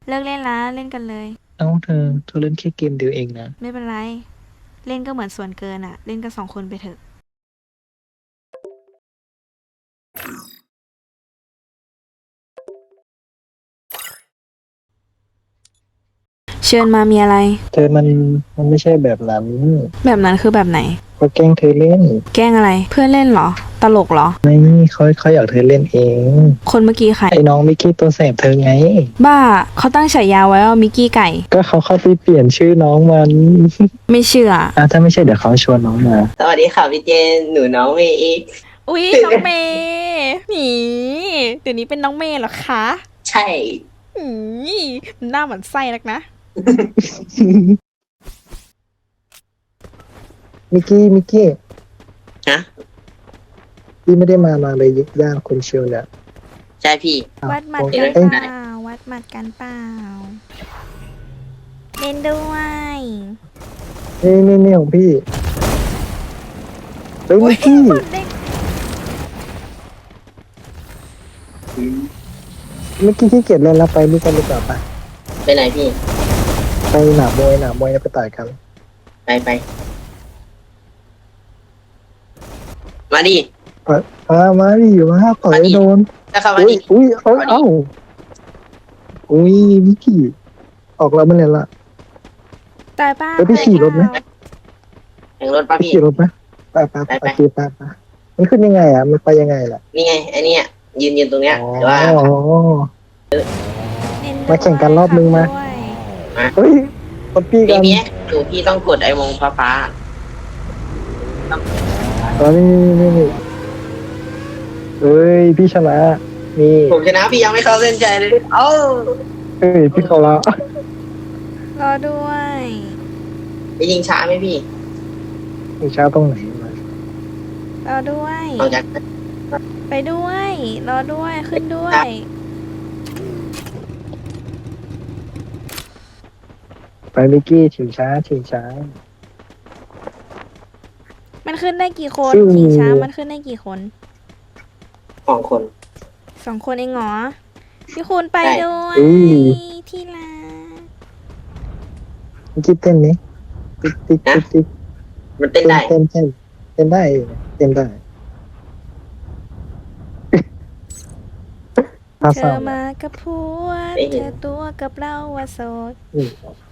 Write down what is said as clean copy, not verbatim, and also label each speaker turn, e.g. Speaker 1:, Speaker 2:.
Speaker 1: เลิกเล่นละเล่นกันเลย
Speaker 2: เอ้าเธอเล่นแค่เกมเดียวเองนะ
Speaker 1: ไม่เป็นไรเล่นก็เหมือนส่วนเกินอะเล่นกัน2 คนไปเถอะเชิญมามีอะไร
Speaker 2: เธอมันไม่ใช่แบบนั้น
Speaker 1: แบบนั้นคือแบบไหน
Speaker 2: เขาแกล้งเธอเล่น
Speaker 1: แกล้งอะไรเพื่อนเล่นเหรอตลกเหรอ
Speaker 2: ไม่เขาอยากเธอเล่นเอง
Speaker 1: คนเมื่อกี้ใคร
Speaker 2: ไอ้น้องมิกกี้ตัวแสบเธอไง
Speaker 1: บ้าเขาตั้งฉายาไว้ว่ามิกกี้ไก่
Speaker 2: ก็เขาเข้าไปเปลี่ยนชื่อน้องมัน
Speaker 1: ไม่เชื่อ
Speaker 2: ถ้าไม่ใช่เดี๋ยวเขาชวนน้องมา
Speaker 3: สวัสดีค่ะพี่เจนหนูน้องเมย์อีก
Speaker 1: อุ๊ยน้องเมย์หนีเดี๋ยวนี้เป็นน้องเมย์เหรอคะ
Speaker 3: ใช่
Speaker 1: อืมหน้าเหมือนไส้นักนะ
Speaker 2: มิกกี้
Speaker 3: ฮะ
Speaker 2: พี่ไม่ได้มาเลยย่างคุณเชียวเนี่ย
Speaker 3: ใช่พี่
Speaker 2: อ้าว
Speaker 1: วัดหมัด
Speaker 2: โอ้
Speaker 1: กันเป
Speaker 2: เอ้ย
Speaker 1: ล่าวัดหมัดกันเปล่าเล่นด้วย
Speaker 2: นี่ของพี่เฮ้ย
Speaker 1: อุ๊ย
Speaker 2: มิกกี้
Speaker 1: หมัดเด็ก
Speaker 2: มิกกี้ขี้เกียจเล่นแล้วไปนี่กันดีกว่าปะ
Speaker 3: ไปไหนพี่
Speaker 2: ไปหนามวยแล้วไปต่อยกัน
Speaker 3: ไปมาดิ
Speaker 2: มาดิมาต่อยโดน
Speaker 3: ถ้าเข้ามา
Speaker 2: อุ้ย
Speaker 3: ดิ
Speaker 2: อุ้ย
Speaker 3: มาดิ
Speaker 2: เอ้าอุ้ยมิกกี้ออกแล้วมันเลยละ
Speaker 1: ตายเปล่า
Speaker 2: เฮ้ยพี่ขี่รถไหม
Speaker 3: แข่งรถป่ะ
Speaker 2: ไป
Speaker 3: พี่
Speaker 2: ขี่รถไหมไป
Speaker 3: ไปไป
Speaker 2: โอเคไปมันขึ้นยังไงอ่ะมันไปยังไงล่ะ
Speaker 3: นี่ไงไอ้เนี่ยยืนตรงเนี้ย
Speaker 2: อ๋อ
Speaker 3: หรือว่า
Speaker 1: เล่นด้วย
Speaker 2: มาแข่งกันรอบนึงมา
Speaker 1: ขับด้วย
Speaker 2: เฮ้ยคนพี่กั
Speaker 3: พี่
Speaker 2: น
Speaker 3: เนี้ยดูพี่ต้องกดไอ้วงฟ้า
Speaker 2: ตอนนี่เฮ้ยพี่ชนะนี่
Speaker 3: ผมชนะพี่ยังไม่เข้าเส้นใจเลยเอ้า
Speaker 2: เฮ้ยพี่เขาละ
Speaker 1: รอด้วย
Speaker 3: ไปยิงช้าไหมพี่
Speaker 2: มีช้าตรงไหนมาร
Speaker 1: อด้วย
Speaker 3: ออกจาก
Speaker 1: ไปด้วย รอด้วย ขึ้นด้วย
Speaker 2: ไปมิกกี้ชิงช้า
Speaker 1: มันขึ้นได้กี่คน
Speaker 2: ฟิว
Speaker 1: ชิงช้ามันขึ้นได้กี่คน
Speaker 3: ของคน
Speaker 1: 2 คนเองเหรอ พี่คุณไปด้วย ที่รัก
Speaker 2: มิกกี้เต้นนี้ติ๊ก
Speaker 3: มันเต้นได้
Speaker 2: เต้นได้เต้นได้ภา
Speaker 1: เธ
Speaker 2: ษา
Speaker 1: อมากับผัวเธอตัวกับเราว่าโสด